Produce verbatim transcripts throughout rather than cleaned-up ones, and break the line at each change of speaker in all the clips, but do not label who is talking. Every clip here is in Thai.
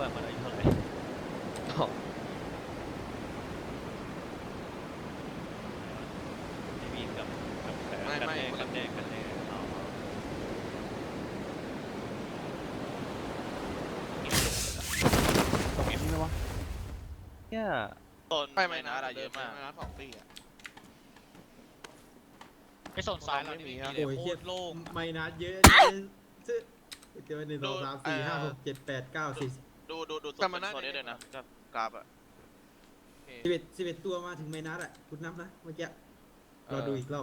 ว่ามันอายุเท่าไหร่ไม่มีกับกับแผลกันแน่กันแน่กันแน่อ๋อตรงนี้ไหมวะเนี่ยต้น
ไปไหมนะ
อะไรเยอะมาก
นะสองตีอ่ะ
ไปโซนซ้ายเราไม่มีเลย
โอ้ย
โค
เฮีย
ตรโล่ง
ไม่นัดเยอะซื้อเจอหนึ่งสองสามสี่ห้าหกเจ็ดแปดเก้าสิบ
ดูดูดู
แต่มันน่า
โซนนี้
จะ
เลยนะกับกราฟอะ
สิบเอ็ดสิบเอ็ดตัวมาถึงไม่นัดอ่ะคุณนับนะเมื่อกี้เราดูอีกรอบ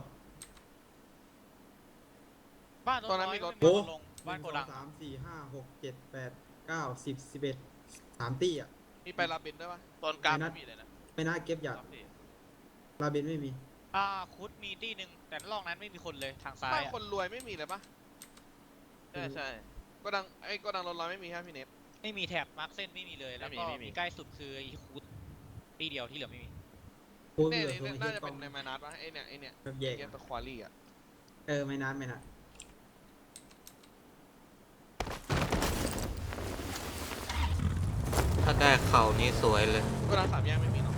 บ้านรถน้อยก็
โอ้
ไม่มีลงบ้านโกดัง
สามสี่ห้าหกเจ็ดแปดเก้าสิบสิบเอ็ดสามตีอ่ะ
มีไปลาบินด้วยปะ
ตอนกราฟไม่มีเลยนะ
ไม่นัดเก็บหยาด
กราฟพี่
ลาเบนไม่มี
อ่าคุดมีที่หนึ่งแต่ล่องนั้นไม่มีคนเลยทางซ้าย
บ้าน
อะ
คนรวยไม่มีเลยปะ
ใช่ใช่
ก็ดังไอ้ก็ดังรถร้อยไม่มีฮะพี่เนฟ
ไม่มีแถบมาร์คเส้นไม่มีเลยแล้วก็มีใกล้สุดคืออีคุดที่เดียวที่เหลือไม่มี
โอ้ย
เนี่ย
เหลือ
เนี่ย
ตรง
น่า
เฮีย
จะ
กล้
เป็
อน ง
ในมานาสปะไอ้เนี่ยไอ้เนี่ย
แบบแยก
เกียร์ตะควารี่อ่ะ
เออไม่นัดไม่นัด
ถ้าได้เข่านี้สวยเลย
ก็ดังสามแยกไม่มีเนาะ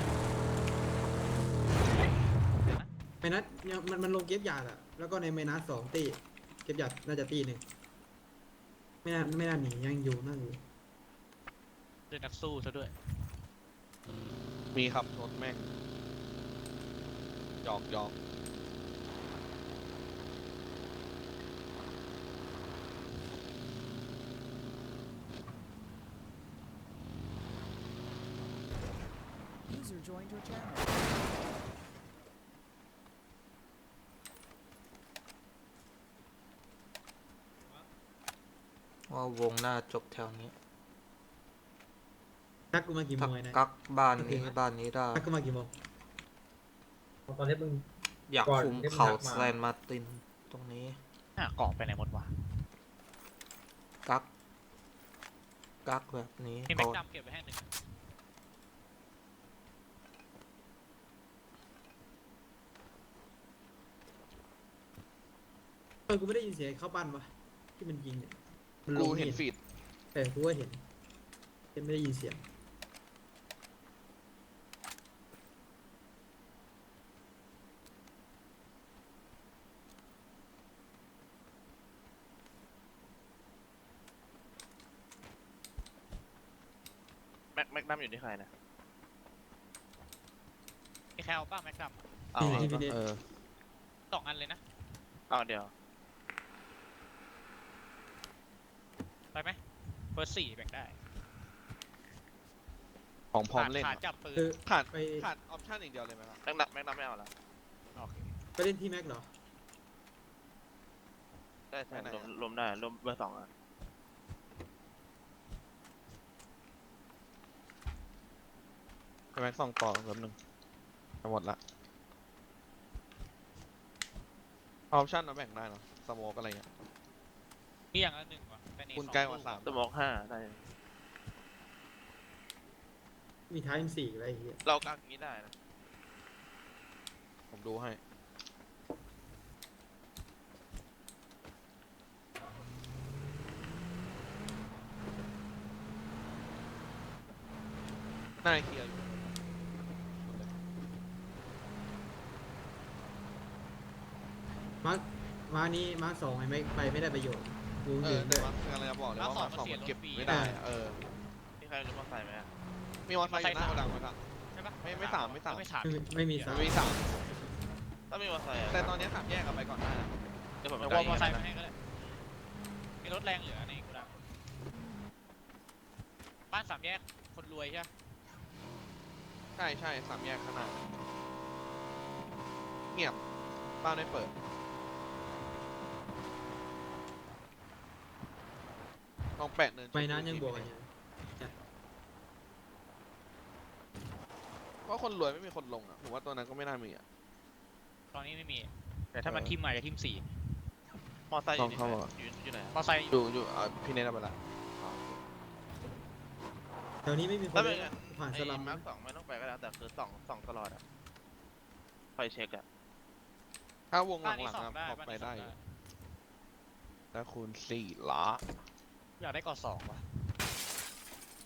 ไม่นัดเนี่ยมันมันลงเก็บหยาดอ่ะแล้วก็ในไม่นัดสองตีเก็บหยาดน่าจะตีหนึ่งไม่น่าไม่น่าหนียังอยู่นั่นอยู่
เป็นนักสู้ซะด้วย
มีครับรถแม่งหยอกหยอก
ว่าวงหน้าจบแถวนี้
ทักกูมากี่โม
ถ้าง
ไอ้นะ
กักบ้านนี้บ้านนี้ได้
ทักกูมากี่โมง
ตอนนี้มึง
อยาก
ก่อน
คุม
ที่มัน
เข่า
หักมา
แซนมาร์ตินตรงนี้
อ่ะเกาะไปไหนหมดวะ
กัก กักแบบนี้
มีแม็ก
ก่อน
ดำเก็บไว้ให้หนึ่ง
เออกูไม่ได้ยินเสียงเข้าปั้นวะที่มันยิงเนี่ยมันล
กู
ง
เห็นฟีด
เออกูก็เห็นแต่ไม่ได้ยินเสียง
แม็กแม็กนัมอยู่ที่ใครนะ
มีใครเอาป้าแม็กด
เอา
นี่พี่เนท
เออ
ำสองอันเลยนะ
เอาเดี๋ยว
ไปไหมเฟิร์สสี่แบ่งได้
ของพร้อมเล่น
ขา
อะ
จับปืน
คือ
ขาด
ไป
ขาดออปชั่นอย่างเดียวเลยไหมครับ
แม็กนัมแม็กนัมไม่เอาละ
โอเค
ไปเล่นที่แม็กเหรอ
ได้ใช่รวมรวมได้รวมเบอร์สองอ่ะ
ไปแม็กสองต่อแป๊บนึงจะหมดละออปชั่นเราแบ่งได้เนาะสโมกอะไรเงี้ย
นี่อย่างละหนึ่งวะแต่นี่
คุณ
สอง
ใกล้กว่าสาม
สมองห้าได้
มีท้ายเป็นสี่อะไรอย่างเงี้ย
เรากักอย่างนี้ได้นะ
ผมดูให้น่าเคลียร์อยู่
มาร์คมาร์คนี้มาร์คสองไอ้แม็กไปไม่ได้ประโยชน์กู
เอ
เห็
อน แต่
ด้วย
ว่าคืออะไรจะบอกเลยว่ามาสองมันเก็บไม่ได้อะเออ
มีใครรู้มาใส่ไหมอะ
มีมอเตอร์ไซค์อยู่หน้าโกดังมั้ยครับ
ใช่ปะ
ไม่ไม่สามไม่สาม
ไม่สาม
ไม่ไม่มีสาม
มีสาม
ถ้ามีมาใส่อะ
แต่ตอนนี้สามแยกกันไปก่อนได้นะ
เดี๋ยวผม
เดี๋ยว
ไป
วอลมอไซค์
นะ
มาให้ก็ได้มีรถแรงเหลือในกูดังบ้านสามแยกคนรวยใช่ปะ
ใช่ใช่สามแยกขางหนาดเงียบบ้านไม่เปิดลองแปะเนิน
ไม่นั้นยังบวกกันอยู่
เพราะคนรวยไม่มีคนลงอ่ะผมว่าตัวนั้นก็ไม่น่ามีอ่ะ
ตอนนี้ไม่มี แต่ถ้ามันทิมอาจจะทิมสี่
มอไซค์อยู่ที่
ลอง
ไหน
เข้ามา
อยู่อยู่ไหน
มอไซค์
อยู่อยู่อ่ะพี่เนทเอาไปละ
แถวนี้ไม่มีคน
ถ้า
เล
เป็น
ย
งั้น
ผ่าน
ไอ้
สลัม
มาร์คสองไม่ต้องไปก็ได้แต่คือสองสองตลอดอะไฟเช็คอะ
ถ้าวงห
บ้านนี้
ลัง
สอ
ๆ
ง
นะ
ได้
พอ
บ้าน
ไป
นี้สอ
ได้
ง
อยู่
ได้
แล้วคูณสี่ละ
อยากได้ก่อสองวะ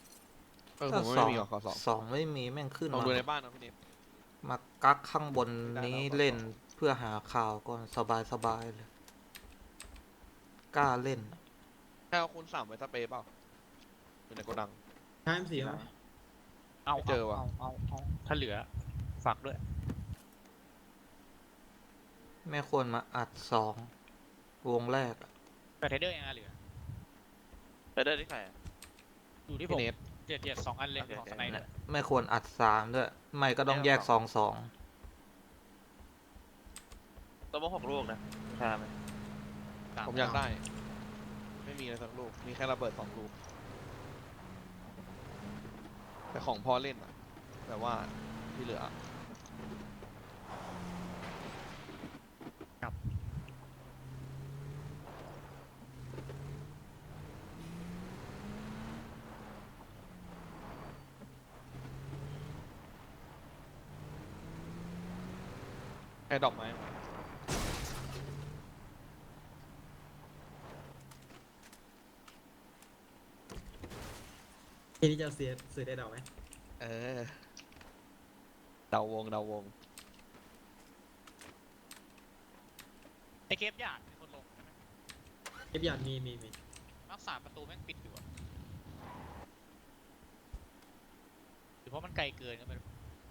ออผ
ถ้าม
ว่า
สอ
ไม่
ง
มีหรอกขอสอง
สองไม่มีแม่งขึ้น
ลอง
มา
ดูในบ้านนะพี่นิด
มากักข้างบน
ได้
นี้
แล้วก็
เล่นเพื่อหาข่าวก่อนสบายสบายเลย กล้าเล่น
แค่เอาคูณสามไว้สเปรย์เปล่าอยู่ในโกดัง
ใช้เสียไหม
เอา
ไม่เจอว่ะ
เอาเอาเอาถ้าเหลือฝากด้วย
ไม่ควรมาอัดสองวงแรกอะ
แต่เทเดอร์ยังไงเหลือ
ไปได้ที่ใครอะ
อยู่ที่ผ
พี่
ม
เนท
เจ็ดเจ็ดสองอันเลย
โอเค
ของ
โอเค
สไนเดอร์
ไม่ควรอัดสามด้วย ไม่ก็ต้องแยก
แยก
ส
ส
อ
อง ง
สอง
ตัวพวกหกลูกนะใช่ไหม
ผมอยากได้ ไม่มีเลยสักลูก มีแค่ระเบิดสองลูก แต่ของพอเล่นอะแต่ว่าที่เหลือ ไอ้ดอกไม้
ทีนี้จะเสียเสียได้ดอกไหม
เออ เดาวงเดาวง
ไอเกฟหยาดมีคนลงใช่ไหม
เก็บหยาดมีมีมี
มักสามประตูแม่งปิดอยู่อะหรือเพราะมันไกลเกินก็ไม่รู้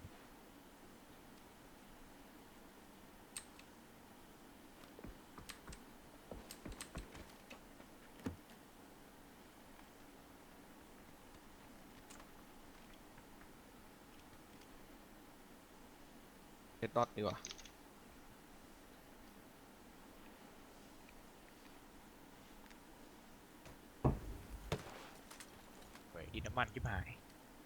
เฮดดอทดีกว่า
เว้ยดินน้ำมันชิบหาย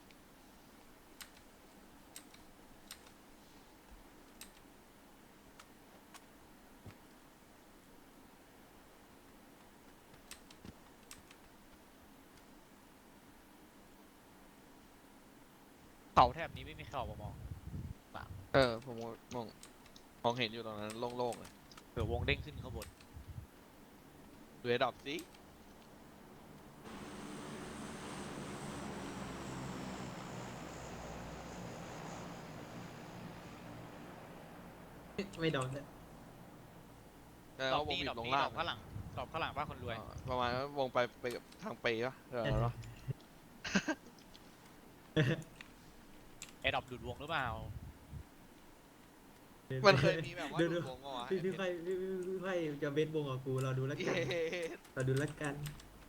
เขาแถบนี้ไม่มีเข่ามามอง
เออ ผมมองมองเห็นอยู่ตรงนั้นโล่งๆเลย
เผื่อวงเด้งขึ้นข้างบน
ดูเฮดดอทสิ
ไม่โดนเลย
แล้ว
ดอก
วง
นี้
บี
ดอบ ก
ลง
นี้
ล่า
ด
ง
อกข้างหลังดอกข้างหลังบ้านคนรวย
เออประมาณว่าวงไปไปกับทางไปปะเออเนอะ
ไอ้ดอกดูดวงหรือเปล่า
มันเคยมีแบบว่า
ดู
ดู
ดู
ดวงเหรอวะ
พี่พี่ไฟพี่พี่พี่ไฟจะเบสวงกับกูเราดูแล้ว
เย้
กันเราดูแล้วกัน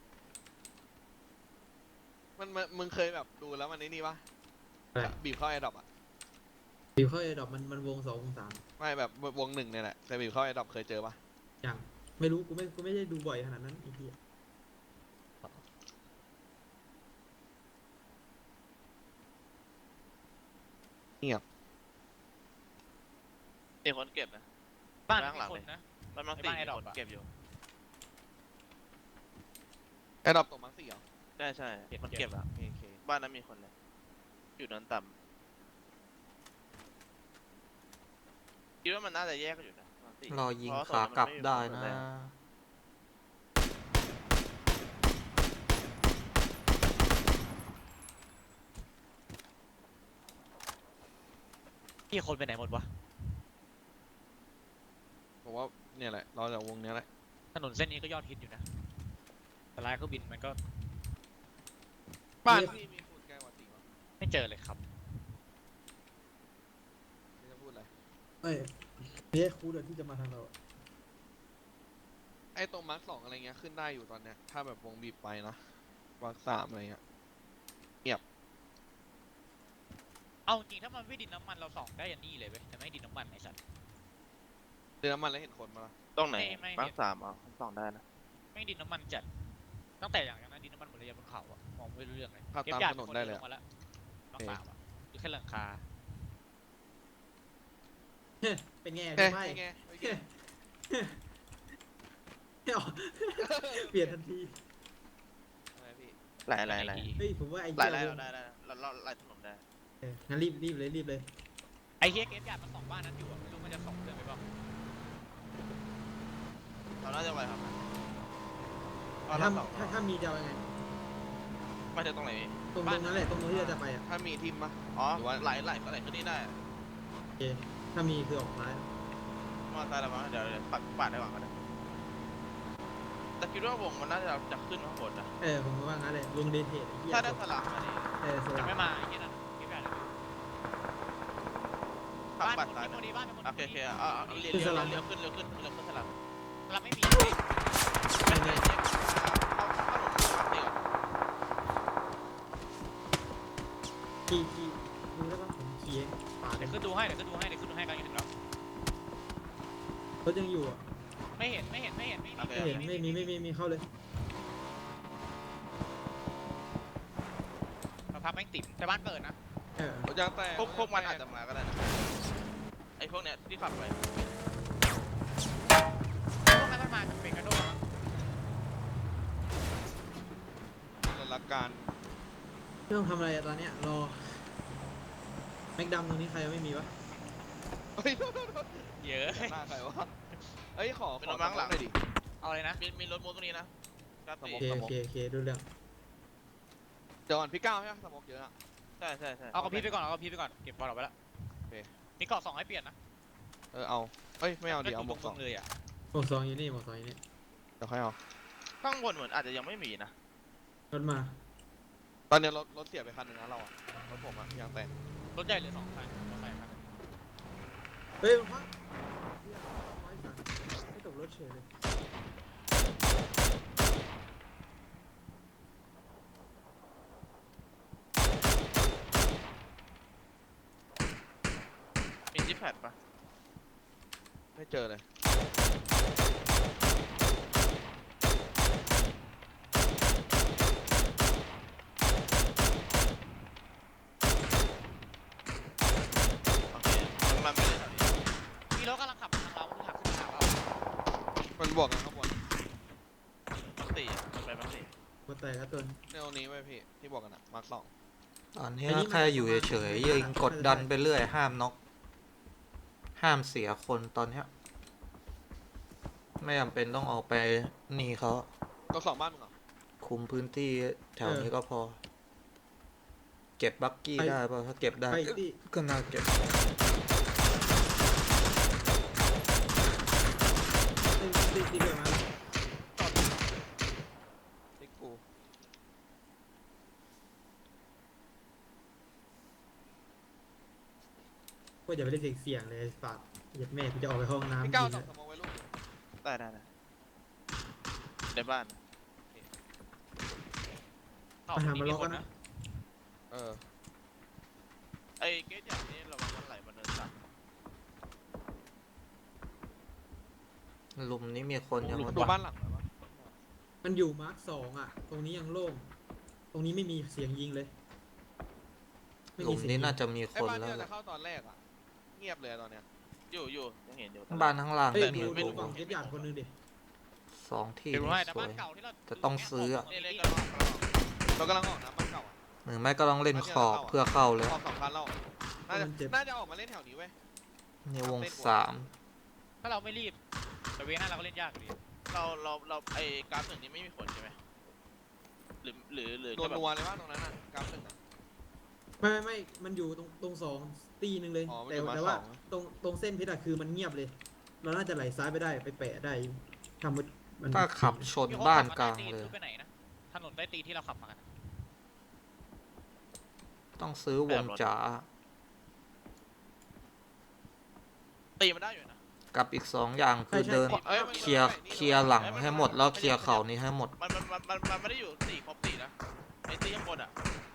มันมันมึงเคยแบบดูแล้วมันไอ้นี่ปะ
อะไร
บีบเข้าไอ้ดอกอะ
บิวเข้าไอ้ดอกมันมันวงสองวงสาม
ไม่แบบวงหนึ่งเนี่ยแหละแต่บีบเข้าไอ้ดอกเคยเจอปะ
อย่างไม่รู้กูไม่กูไม่ได้ดูบ่อยขนาดนั้นไอ้เหี้ย
เงียบ
มีคนเก็บนะ
บ้าน
ข้างหลั
มี
ง
ค
เล
น
ย
นะ
บ้านมัง
ไอ้
สี่
บ้านไอ้
มี
ดอก
คน
อะ
เก็บอยู่
ไอ้ดอกตกมังสี่เหรอ
ใช่ใช่มันเก็บอะ
โอเคโอเค
บ้านนั้นมีคนเลยอยู่นั้นต่ำคิดว่ามันน่าจะแยกกันอยู่นะมังสี่
รอยิง
เพราะ
ขากลับ
โซนนั้นมันม่มี
ได้
ค
นะ
แรง
พี่คนไปไหนหมดวะ
ผมว่าเนี่ยแหละเราจากวงเนี้ยแหละ
ถนนเส้นนี้ก็ยอดฮิตอยู่นะแต่ลายเครื่องบินมันก็
บ้านพี่มีคูณแกกว่าสี่ปะ
ไม่เจอเลยครับ
นี่จะพูดอะไร
เอ้ยเนี่ยครูเดี๋ยวที่จะมาทางเรา
ไอ้ตรงมาร์คสองอะไรเงี้ยขึ้นได้อยู่ตอนเนี้ยถ้าแบบวงบีบไปนะมาร์คสามอะไรเงี้ย
เอาจริงถ้ามันไม่ดินน้ำมันเราส่องได้ยันนี่เลยเว้ยแต่ไม่ดินน้ำมันไอ้สัตว์
เดือนน้ำมันแล้วเห็นคนมาละ
ตรงไหน
ไม่ไม่
มาร์คสามอ่ะผมส่องได้นะ
ไม่ดินน้ำมันจัดตั้งแต่อย่างนั้นดินน้ำมันหมดเลยบนเขาอะมองไม่รู้เรื่องเลย
ขับ
เก็บ
ตาม
หยาด
ถนน
ค
ได้
เดิ
เลย
ลง
อะ
มาแล้วน้องสาวอะอยู่แค่หลังคา
เป็นไง
เอ๊ะ
พี่ไฟ
นี่ไงโอเค
เอาเปลี่ยนทันที
อะไรพี่
หลายหลายหลาย
เฮ้ยผมว่าไอ้
หลาย
เหี้
หลาย
ยว
เรา
ง
ได้ได้เราเราไล่ถนนได้
เอองั้นรีบรีบเลยรีบเลย
ไอ้เฮียเก็บหยาดมันสองบ้านนั้นอยู่อะไม่รู้มันจะส่องเดินไปเปล่า
เราน่าจะไวครับ
ถ้าถ้าถ้ามีจะเอายังไง
ไปมาถึงตรงไหนพี่
ตรงตรงนั้นแหละตรงนู้นที่เราจะไปอ่ะ
ถ้ามีทีมปะ
อ๋อ
หรือว่า
ไหลไหลไหลขึ้นนี่ได้
โอเคถ้ามีคือออกซ้าย
มอเตอร์ไซค์ละมั้งเดี๋ยวเดี๋ยวปัดปาดได้ก่อนก็ได้แต่คิดว่าวงมันน่าจะจะขึ้นมาข้างบนนะ
เออผมก็ว่างั้นเลยวงเดทเทสไอ้เหี้ย
ถ้าได้สลับมาดิ
เออส
จะ
ลับ
ไม่มาไอ้เหี้ยนั่นเก็บใหญ่เลย
ขับ
บ้าน
ปัด
คน
ซ้าย
นี้คนนี้บ้านเป็นคน
โอเคโอเคอ่าเลี้ยวเลี้ยวเลี้ยวขึ้นเลี้ยวขึ้นเลี้ยวขึ้นสลับ
เราไม่มี
ไม่ไม่เช็คเข้าเข้าหลงเดี๋ยว
ขี่ขี่ดูได้ปะผมขี่เองปาด
เดี๋ยวขึ้นดูให้เดี๋ยวขึ้นดูให้เดี๋ยวขึ้นดูให้กันถึงแล้ว
รถยังอยู่อ่ะ
ไม่เห็นไม่เห็นไม่เห็นไม่มี
ไม่เห็นไม่มีไม่มีไม่มีเข้าเลย
เราพักแม่งติดแต่บ้านเปิดนะ
เออ
รถยางแตก
พวกพวกมันอาจจะมาก็ได้นะไอ้พวกเนี้ยที่ขับไป
พวกนั้นมันมาจากเป็นกระโดด
รถละการ
ไม่ต้องทำอะไรอะตอนเนี้ยรอแม็กดำตรงนี้ใครยังไม่มีวะ
เฮ้ย
เยอะ
หน้าใครวะเฮ้ยขอข
เป็น
อ
รถมั้งหลัง
หน่อยดิ
เอาเลยนะ
มีมีรถมูตรงนี้นะกราฟ
สม
สี่
มุ
โอเคโอเคโอเคดูเรื่อง
เดี๋ยวก่อนพี่ก้าวใช่ไหมสมองเยอะอะ
ใช่ใช่ใช่
เอากระพริบไปก่อนเอากระพริบไปก่อนเก็บบอลออกไปแล้ว
โอเค
มีเกาะสองให้เปลี่ยนนะ
เออเอาเอ้ยไม่เอาดิเอาหมวกสอง
เลยอ่ะ
หมวกสองอยู่นี่หมวกสองอยู่นี่
เดี๋ยวค่อยเอา
ข้างบนเหมือนอาจจะยังไม่มีนะ
รถมา
ตอนนี้รถรถเสียไปคันหนึ่งนะเราอะรถผมอะยางแตก
รถใหญ่เหลือสองคันรถใหญ่คัน
เฮ้ยพักไม่ตกรถเฉยเลย
มีจิปแพดปะ
ไม่เจอเลย
โอเคมันมันไม่ได้แถวนี้
มีรถกำลังขับมาทางเราขับขึ้นมาเรา
มันบวกกันข้างบน
มักสี่อะมันไปมักสี่
หัวแตกแล้วตัว
ในตรงนี้ไว้พี่ที่บวกกันอะมาร์คสอง
ตอนนี้แค่อยู่เฉยๆยิงกดดันไปเรื่อยห้ามน็อกห้ามเสียคนตอนเนี้ยไม่จำเป็นต้องออกไปหนีเขา
ตัวสองบ้านมึงเหรอ
คุมพื้นที่แถวนี้ก็พอ เก็บบักกี้ได้ป่ะถ้าเก็บได้
ไปที่
ก็น่าเก็บ
ที่ที่ที่เกิดมา
ติ๊กกู
ก็อย่าไปเล่นเสี่ยงๆเลยฝากเหยียดแม่กูจะออกไปห้องน้ำ
พี่ก้าว
จ
ส่
ริ
ง
ง
สมองไว้ลูก
ได้ได้ได้ในบ้าน
เข้าคนนี้มีคนนะ
เออ
ไอ้เกตอย่างนี้ระวังมันไหลมาเนินสัตว์
หลุมนี้มีคนยัง
หลุม
ไม่
ตัวบ้านหลังแล้วปะ
ๆมันอยู่มาร์คสองอ่ะ ตรงนี้ยังโล่ง ตรงนี้ไม่มีเสียงยิงเลยไม่
หลุม
เสียง
นี้
ยิง
น่าจะมี
ไอ้
คน
บ้าน
แล้
ที่
ว
เรา
แห
จะ
ละ
เข้าตอนแรกอะเงียบเลยตอนเนี้ย
อยู่อยู่ยังเห็นอยู่
บ้านข้างล่าง
เฮ้ย
ก็มี
ดู
ห
ดู
ลุม
ฝั่งเก็บหยาดคนหนึงดิ
สองที่
เดี๋ยว
นี่
ให้แต่
สว
บ้าน
ย
เก่าที่เรา
แต่ต้องซื้ออะ
เล่นเล่นกันรอบกันรอบ
เรากำลังออกนะบ้านเก่าอะ
หรือไม่ก็ต้องเล่นขอบเพื่อเข้าเลย
ออกสองคันแล้วน่าจะน่าจะออกมาเล่นแถวนี้เว้ย
ในวงสาม
ถ้าเราไม่รีบแต่เวน่าเราก็เล่นยากอยู่ดี
เราเราเราไอ้กราฟหนึ่งนี้ไม่มีผลใช่ไหมหรือหรือหรือ
โด
แค่
น
แบบ
นัวเลยว่าตรงนั้นอะกราฟหนึ่งอะ
ไม่ไม่ไม่มันอยู่ตรงตรงสองตีหนึ่งเลย
อ๋อมัน
แต่
อยู่มาร์ค
แต่ว่า
สอง
ตรงตรงเส้นเพชรอะคือมันเงียบเลย เราน่าจะไหลซ้ายไปได้ไปแปะได้ทำมันมัน
ถ้าขับชนบ้านกลางเลย
ไปไหนนะถนนใต้ตีนที่เราขับมากัน
ต้องซื้อวงจ๋า
ตีมันได้อยู่นะ
กับอีกสองอย่างคือเดิน
อ้มัน
เคลียร์เคลียร์หลังให้หมดแล้วเคลียร์เข่านี้ให้หมด
มันมันมันมันมันไม่ได้อยู่สี่ครบสี่นะไอ้ตีข้างบนอ่ะ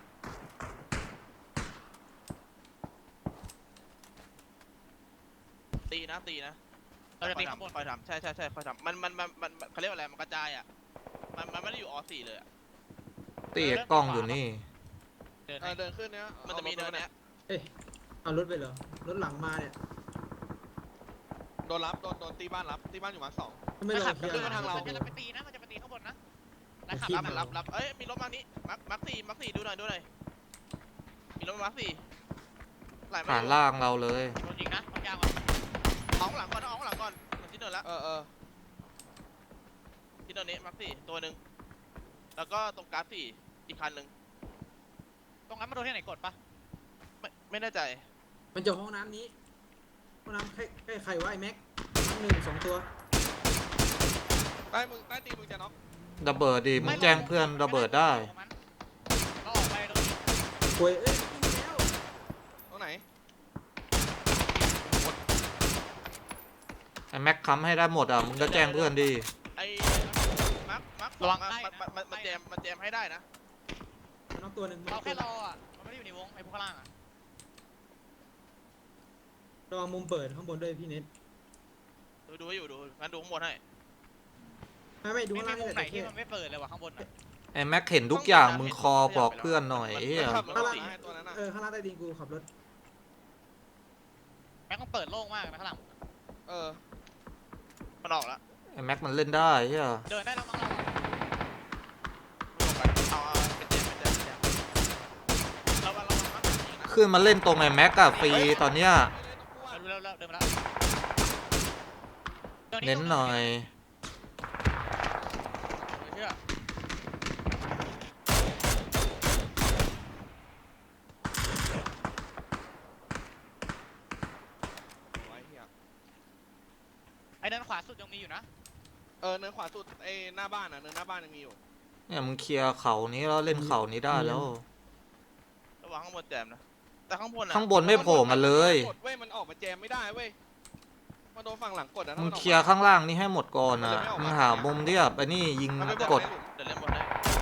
ตีนะตีนะ
เราจะตีข้างบน
คอยทำใช่ใช่ใช่คอยทำมันมันมันมันมันเขาเรียกว่าอะไรมันกระจายอ่ะมันมันไม่ได้อยู่อสี่เลยอ่ะ
ตีกล้องอยู่นี่
เดิน
เออเดินขึ้นเนี้ย
มันจะมีเนินเนี้ย
เอ้ยเอารถไปเหรอ รถหลังมาเนี่ย
โดนรับโดนโดนตีบ้านรับตีบ้านอยู่มาร์คสอง
ทำไมเรา
ขับ
เคลียร์
ขึ้นมาทางเรา
มันจะไปตีนะมันจะไปตีข้างบนนะแล้วขับ
ขี่
รับ
มา
รับรับเอ้ยมีรถมานี้มักมักสี่มักสี่ดูหน่อยดูหน่อยมีรถมามักสี่ไหลมา
ผ่าน
อยู่
ล่างเราเลย
โดนยิงนะต้องยาวอ่ะ
เอาข้างหลังก่อนเอาข้างหลังก่อนเหมือนที่เดินละ
เออเออ
ที่เดินนี้มักสี่ตัวหนึ่งแล้วก็ตรงกราฟสี่อีกคันหนึ่ง
รงนั้นมาโดนที่ไหนกดปะ
ไม่ไม่แน่ใจ
มันจะห้องน้ำนี้ห้องน้ำใกล้ใกล้ใครวะไอ้แม็กน้ำหนึ่งสองตัว
ใต้มึงใต้ตีนมึงจะน็อก
ระเบิดดิมึงแจ้งเพื่อนระเบิดได้
เราออกไปตรงนี้
ป่วยเอ้ยยิงแล้ว
ตรงไหน
ไอ้แม็กค้ำให้ได้หมดอ่ะมึงก็แจ้งเพื่อนดิ
ไอ้มาร์คมาร์คส
ระ
อ
วั
ง
ง
อะ
ใกล้
มัน
นะ
มันมันมันแจมมันแจมให้ได้นะ
มันน้องตัวหนึ่ง
เราแค่รออ่ะมันไม่ได้อยู่ในวงไอ้พวกข้างล่างอ่ะ
ระวังมุมเปิดข้างบนด้วยพี่เน็ต
ดูดูให้อยู่ดูงั้นดูข้างบนให้
ไม่ไม่ดู
ไม่
ข้าง
มี
ล่าง
มุมไหน
นี่แหละ
ที่
แค่
มันไม่เปิดเลยว่ะข้างบนอ่ะ
ไอ้แม็กเห็นทุกอย่างมึงคอบอกเพื่อนหน่อยไอ้เหี้ย
ขับรถสีให้ตัวนั้นอ่ะ
เออข้างล่างใต้ดินกูขับรถ
แม่งต้องเปิดโล่งมากนะข้างหลัง
เออ
มันออกแล้ว
ไอ้แม็กมันเล่นได้เหี้ย
เดินได้แล้วมั้งเรา
ไม่ลงกันเอาเอาเป็นแจมเป็นแจมเป็นแจมเราเราเรามาร์คแบบนี้นะ
ขึ้นมาเล่นตรงไอ้แม็กอะฟรีตอนเนี้ย
เร็วเร็วเดินมาแล้ว
เน้นหน่อย
เชื่อ
ไว้เหี้ย
ไอ้เดินขวาสุดยังมีอยู่นะ
เออเนินขวาสุดไอ้หน้าบ้านอ่ะเนินหน้าบ้านยังมีอยู่
เนี่ยมึงเคลียร์เขานี้แล้วเล่นเขานี้ได้แล้ว
ระวังข้างบนแจมนะแต่ข้างบนอะ
ข้างบนไม่โผล่มาเลย
กดเว้ยมันออกมาแจมไม่ได้เว้ยมาโดนฝั่งหลังกดอ่ะ
มึงเคลียร์ข้างล่างนี่ให้หมดก่อนอ่ะมึงหามุมที่แบบไอ้นี่ยิง
มันไม่
ก
ก
ด
ด
เดี๋ยวเล่นบนให้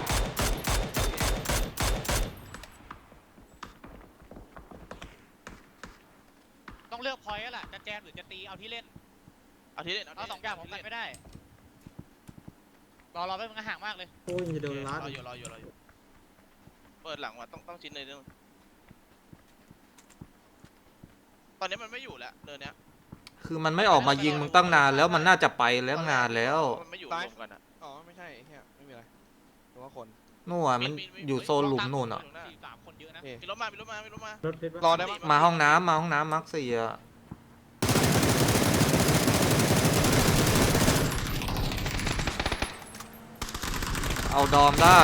ต้องเลือกพอยต์แล้วแหละจะแจมหรือจะตีเอาที่เล่น
เอาที่เล่นเอา
เอา
ที่
สองอย่างผมกันไม่ได้รอรอไปมึงห่างมากเลย
โอ้ยจะโดนลัด
รออยู่รออยู่รออยู่เปิดหลังว่ะต้องต้องชิ้นในเรื่องตอนนี้มันไม่อยู่แล้วเดินเนี้ย
คือมันไม่ออกมายิงมึงตั้งนานแล้วมันน่าจะไปแล้วนานแล้ว
มันไม่อยู่รวมกันอะ
อ๋อไม่ใช่ไอ้เหี้ยไม่มีอะไรหรือว่าคน
นู่นอะมันอยู่โซนหลุมนู่นอ่ะ
สี่สามคนเยอะนะ
โอเค
มีรถมามีรถมามีรถมาร
ถเพชร
รอ
ปะ
ได้ปะ
มาห้องน้ำมาห้องน้ำมาร์คสี่อ่ะเอาดอมได้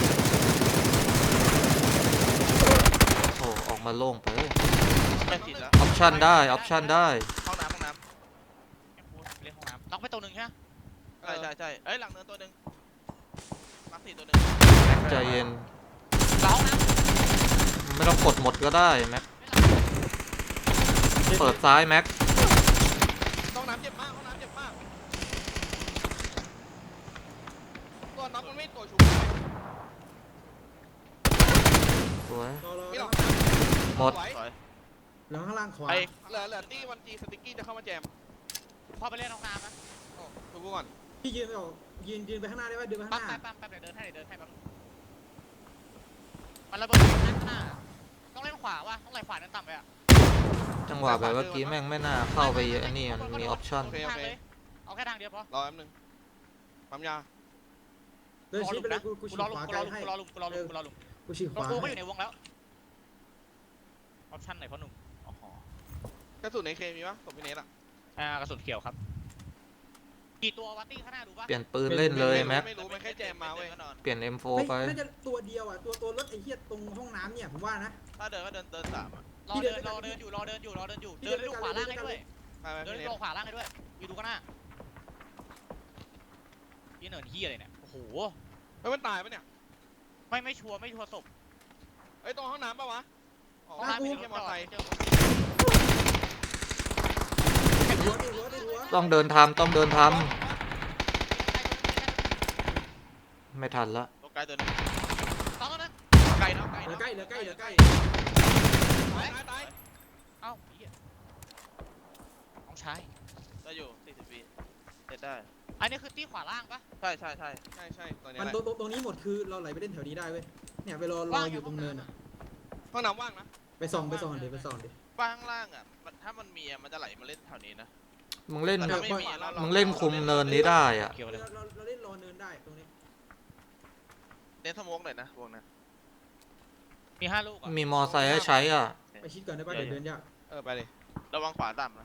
โอ้ออกมาโล่งไป
ไม่ติดแล้ว
ออปชั่นได้ออปชั่นได้
ห้องน้ำห้องน้
เล่นห้องน้ำน็อกไปตัวหนึ่งใช่ไหม
ำใช่ใช่ใช่เอ้ยหลังเนินตัวหนึ่งมาร์คสี่ตัวหนึ่ง
ใจเย็น
หลังห้องน้
ไม่ต้องกดหมดก็ได้แม็กเปิดซ้ายแม็ก
ห้องน้ำเจ็บมากห้องน้ำเจ็บมากตัวน็อกมันไม่ตัวชู
สวย
รอรอ
ไม่หรอก
หมด
ไหว
ถอย
แล้วข้างล่างขวา
ไอ้
เหลือเหลือตี้วันจีสติ๊กกี้จะเข้ามาแจม
ำพอไปเล่นห้องน้ำนะ
โอ้ดูกูก่อน
พี่ยืนไปออกยืนยืนไปข้างหน้าได้ป่ะเดินไปข้าง
ปั๊ม
หน้า
แป๊บปั๊มแป๊บเดี๋ยวเดินให้เดี๋ยวเดินให้แป๊บมันระเบิดข้างหน้าต้องเล่นขวาว่ะต้องไหลขวาเดินต่ำไปอ่ะ
จังหวะแบบเมื่อกี้แม่งไม่น่าเข้าไปไอันนี้มันมีออปชั่น
ทางเลยเอาแค่ทางเดียวพอ
รอแป๊บนึงปั๊มยา
เดินชี้ไปเลยกูกู
กู
ชี้
รอลุ
ข
ม
วา
กู
ไก
ร
ล
อลุม
ให้
กูรอลุมกูรอลุมกูรอลุม
กูชี้ข
ตัว
วา
กูก็
ให้
อยู่ในวงแล้วออปชั่นไหนพ่อหนุ่มอ๋อก
ระสุนในเคมีปะตบพี่เนทอ่ะ
อ่ากระสุนเขียวครับกี่ตัววัตตี้ข้างหน้าดูปะ
เปลี่ยนปืนเล่นเลยแม็ก
ไม่รู้มันแค่แจมมาเว้ย
ก็นอน
เปลี่ยน เอ็ม โฟ
เฮ้ย
ไป
น่าจะตัวเดียวอ่ะตัวตัวรถไอ้เหี้ยตรงห้องน้ำเนี่ยผมว่านะ
ถ้าเดินก็เดินเดินสามอะ
รอเดินรอเดินอยู่รอเดินอยู่รอเดินอยู่เดินดูขวาล่างให้ด้วย
ไปไป
เดิน
พี่เนท
ดูขวาล่างให้ด้วยอยู่ดูข้างหน้ายี่เนินเฮียอะไรเนี่ยโอ้โห
เฮ้ยมันตายปะเนี่ย
ไม่ไม่ชัวร์ไม่ชัวร์ศพ
เฮ้ยตรงห้องน้ำปะวะอ๋อ
ห้องน้ำ
ไม่
ไม่
ใช่
เจอ
มอเตอร์ไซค์
เจอ
หัวดิหัวดิหัว
ต้องเดินทำต้องเดินทำไม่ทันละ
ตัวไกลตัวหนึง
ต้องแล้วนะ
ไกลเนาะไกล
เหลือ
เนาะ
ใกล้เหลือใกล้เหลือใกล้
ตายตายตาย
เอ้าเฮียน้องชาย
ได้อยู่สี่สิบวิเสร็จได้
อันนี้คือตีขวาล่างปะ
ใช่ใช่ใช่
ใช่ใช่ตอนนี้
มัน
แหละ
ตรงตรงตรงนี้หมดคือเราไหลไปเล่นแถวนี้ได้เว้ยเนี่ยไปรอรออยู่ตรงเนินอ่ะ
ห้องน้ำว่างนะ
ไปส่องไปส่องเดี๋ยวไปส่องดิ
บ้านข้างล่างอ่ะมันถ้ามันมีอะมันจะไหลมาเล่นแถวนี้นะ
มึงเล่น
แต่ถ้าไม่มีอะเรา
มึงเล่นคุมเนินนี้ได้อ่ะ
เกี่ยวเลย
เราเราเราเล่นรอเนินได้ตรงนี้
เน้นสโมกหน่อยนะวงนะ
มีห้าลูกอ่ะ
มีมอไซค์ให้ใช้อ่ะ
ไปชิดก่อนได้ป่ะเดี๋ยวเดินยาก
เออไปเลย
ระวังขวาต่ำนะ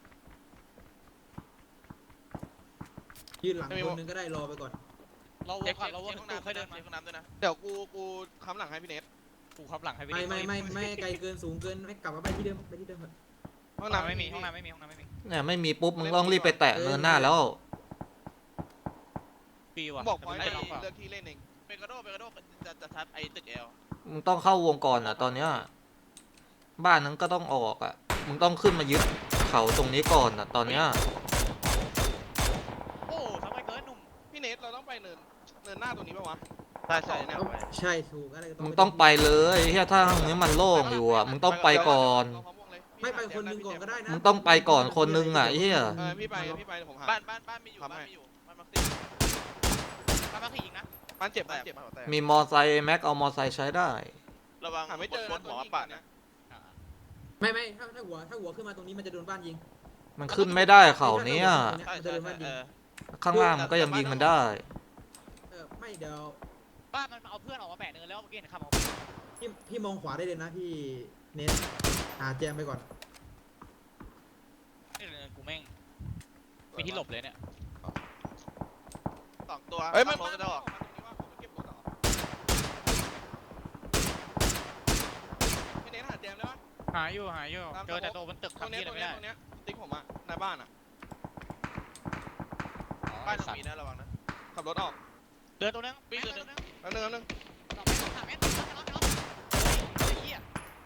ยืนหลังคนนึงก็ได้รอไปก่อน
เราว
เช็
ง
ค
ก่อน
เช็ค
เราวง
เช็คห้อง
ตู
น้ำ
ค่อยเดินมา
เช็คห้องน้ำด้วยนะ
เดี๋ยวกูกูค้ำหลังให้พี่เนท
กูขับหลังให้ไป
ไม่
ดิ
ไม่ไม่ไม่ไกลเกินสูงเกินไม่กลับมาไปที่เดิมไปที่เดิมเถอะ
ห้อง
ห้อง
น้ำ
น้ำไม่มีห้องน้ำไม่มีห้องน้ำไม่มี
เนี่ยไม่มีปุ๊บมึงต้องรีบไปแตะเนินหน้าแล้ว
ปีว่ะ
บอกพ
แต่
อย
มัน
ต์
ไม่ได้ล็อกเปล่า
เลือกที่เล่นเอง
เปกาโดเปกาโดจะจะทับไอ้ตึกเอล
มึงต้องเข้าวงก่อนอ่ะ ตอนเนี้ยบ้านนั้นก็ต้องออกอ่ะ มึงต้องขึ้นมายึดเขาตรงนี้ก่อนอ่ะ ตอนเนี้ย
โอ้ทำไมเกินหนุ่ม
พี่เนทเราต้องไปเนินเนินหน้าตรงนี้ป่าวะ
ใช่ใช่เนี่ยไป
ใช่ถูกอะไรก็
มึงต้องไปเลยเฮียถ้าทางนี้มันโล่งอยู่อ่ะ มึงต้องไปก่อน
เราพร้อมวงเลย
ไม่ไปคนหนึงก่อนก็ได้นะ
มึงต้องไปก่อนคนนึงอ่ะไอ้เฮีย
เออพี่ไปพี่ไปเดี๋ยวผมหา
บ้านบ้านบ้านมีอยู่
ทำ
บ้าน
ให้
มีอยู่บ้านมักซี่
มามาขี่อีกนะ
บ้านเจ็บ
แต
บ้าน
ก
เจ็บ
บ้านแตก
มีมอไซค์แม็กเอามอไซค์ใช้ได้
ระวัง
หาไม่เจอ
โค
นะ
ตรห
ตั
ม
ว
อ
ยิง
ปัด
เนี่
นะ
ย
อ่า
ไม่ไม่ถ้าถ้าหัวถ้าหัวขึ้นมาตรงนี้มันจะโดนบ้านยิง
มันขึ้นไม่ได้เขาเนี้ย
ใช่
มันจะ
ใช่
โดน
ใช่
บ้านยิ
เอง อ
ข้างล่างมันก็ยังยิงมันได้
เออไม่เดี๋ยว
บ้านมันเอาเพื่อนออกมาแปะเนินแล้วเมื่อกี้เห็นขับออก
พี่พี่มองขวาได้เลยนะพี่เน้นหาแจมไปก่อน
นี่เนินกูแม่งมีที่หลบเลยเนี่ย
สองตัว
เอ้ยมัน
รถ
มา
ก็จะออก
มาตรงนี้ว่าผมไปเก็บรถเหรอพี่เนทหาแจมได้ปะ
หาอยู่หาอยู่
ตาม
เจอแต่
สมมุติ
ตัวบนตึก
ตรง
ทำ
เนี้ย
ที่
ต
อะ
ร
ไรง ไม่ ได้
เนี้ยตรงเนี้ยติ๊กผมอะในบ้านอะ
บ้านตรงนี้นะระวังนะ
ขับรถออก
เดินตัวนึง
ปี
ปี
น
น
ตั
ตัว ว
นึ
นึ
ง
ง
แล้วนึงแล้วนึง
สองเมตรสามเมตรไม่ล็อกไม่ล็อกไม่ล็อกไอ้เหี้ย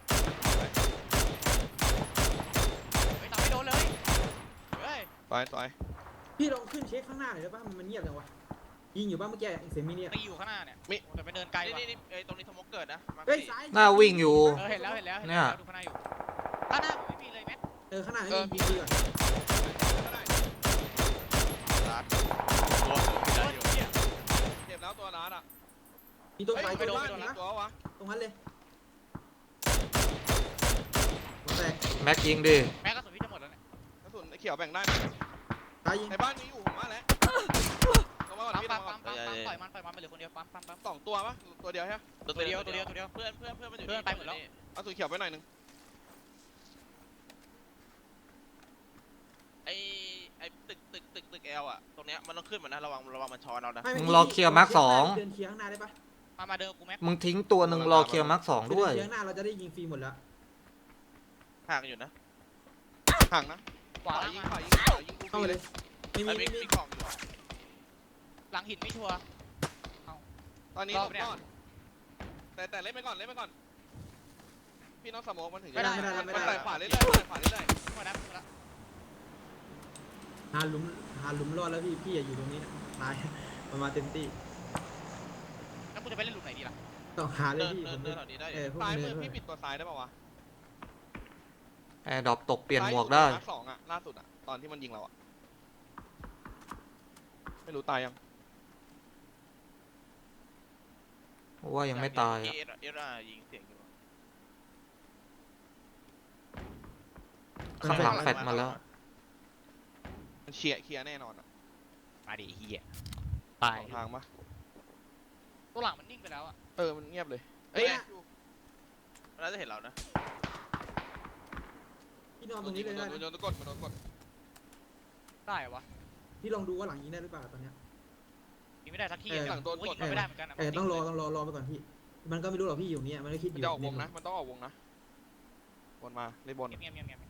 เฮ้ยต่อไม่โดนเลยเฮ้ย
ไปต่อย
พี่ลองขึ้นเช็คข้างหน้าหน่อยได้ป่ะมันเงียบจังวะยิงอยู่บ้านเมื่อกี้เสียงมินิอะ
ตีอยู่ข้างหน้าเนี่ยโอ้แต่ไปเดินไกล
นี่
ว่ะ
นี่นี่เอ้ยตรงนี้สมมติเกิดนะมาร์ค
เฮ้ย
สี่
ซ้าย
หน้าวิ่งอยู่
เออเห็นแล้วเห็นแล้วเห็น
เนี่
แล้ว
ย
ดูข้างหน้าอยู่ข้างหน้าผมไม่มีเลยแมท
เออข้างหน้าให้ยิงยิงดีก่อน
รัดตัวได้อยู่
เหี้ย
เจ็บแล้วตัวร้านอะ
มีตัว
เฮ้ย
ไฟ
ไป
ตัว
โดน
บ้าน
ไปโดน
นะ
ตัววะ
ตรงนั้นเลยหัวแตก
แม็กยิงดิ
แม็กกระสุนพี่จะหมดแล้วเนี่ย
กระสุนไอ้เขียวแบ่งได้ไหม
ตายยิง
ในบ้านมีอยู่ผมมาแล้วลงมาก่อน
ปั๊ม
พี่ล
ปั๊
ง
ม
มาก่
ปั๊
อน
มปั๊มปั๊มปล่อยมันปล่อยมันไปเหลือคนเดียวปั๊มปั๊มปั๊ม
สองตัวปะตัวเดียวใช่ไหม
ตัวเดียวตัวเดียวตัวเดียว
เพื่อนเพื่อนเพื่อนมันอยู่
เพื่อนไปหมดแล้ว
เอาสูเขียวไปหน่อยนึง
ไอ้ไอ้ตึกตึกตึกตึกเอลอะตรงเนี้ยมันต้องขึ้นมานะระวังระวังมันช้อนเรานะ
ไม่
มึง
ไม่
รอเคลียร์มาร์คสอง
เดินเคลียร์ข้างหน้าได้ปะ
มามาเดินกูแม็ก
มึงทิ้งตัวหนึ่งรอเคลียร์มาร์คสอง
คือ
ด้วย
เดินเคลียร์ข้างหน้าเราจะได้ยิงฟรีหมดแล้ว
ห่างอยู่นะ
ห่างนะ
ขวา
ขวา
ล่าง
ยิง
มา
ขวายิงขวายิงกู
เข้ามาเลย ไม่มี
ไอ้
ไม่
มี
มี
มีกล่องอยู่อะ
หลังหินไม่ชัวร์
ตอนนี้
ร
ห
อ
ล
บบ เนี่ย
ก่อนแต่แต่เล่นไปก่อนเล่นไปก่อนพี่น้องสโมกมันถึง
ไม่ได้
จะ
ไม่ได้
มันไต่ขวาเรื่อยๆไต่ขวาเรื่อย
ขึ้นมาแล้วขึ้นมาแล้ว
หาหลุมหาหลุมรอดแล้วพี่พี่อย่าอยู่ตรงนี้นะตาย ประมาณเต็มที่
แล้วกูจะไปเล่นหลุมไหนดีล่ะ
ต้องหาเลย
เดิน
พี่
เดิ
ผ
น
ม
เดินแถวนี้ได้อ
เอยู่ อพวก
ๆซ้าย
เนิ
มื
น
อ
ด้วย
พี่ปิดตัวซ้ายได้ป่าวะ
แอร์ดรอปตกเปลี่ยนหมวกได้
ซ้ายอยู่ตรงมาร์คสองอะล่าสุดอะตอนที่มันยิงเราอะไม่รู้ตายยัง
ว่ายังไม่ตาย
เอ
อ่ะ
เอเอรายิงเสียงอยู่
ข้างหลังแฟดมาแล้ว
มันเคลียร์เคลียร์แน่นอนอะ
มาดิเฮียตาย
สองทางปะ
ตัวหลังมันนิ่งไปแล้วอ่ะ
เออมันเงียบเลย
เอ้ยมันน่าจะเห็นเรานะ
พี่นอนตรงนี้เลย
โด
ได้
น
นะ
โดนกดมันโดนกด
ได้เหรอวะ
พี่ลองดูว่าหลังยิงได้หรือเปล่าตอนเนี้ย
ยิงไม่ได้สักที
เออ
อะ
หลังโดน
กู
ก
ยิ
ด
งไม่ได้เหมือนกันอะ
เออต้องรอต้องรอรอไปก่อนพี่ มันก็ไม่รู้หรอกพี่อยู่เนี่ยมันก็คิดอ
มัน
ยู่
จะออกวงนะ มันต้องออกวงนะบนมาเลยบน
เงียบเงียบเงียบเงียบ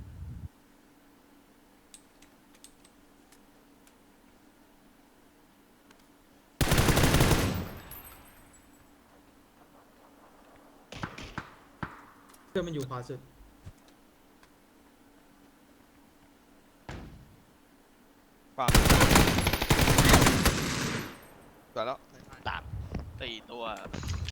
เพื่อนมันอยู่ขวาสุด
ขวาสวยแล้ว
ตาม
สี่ตัว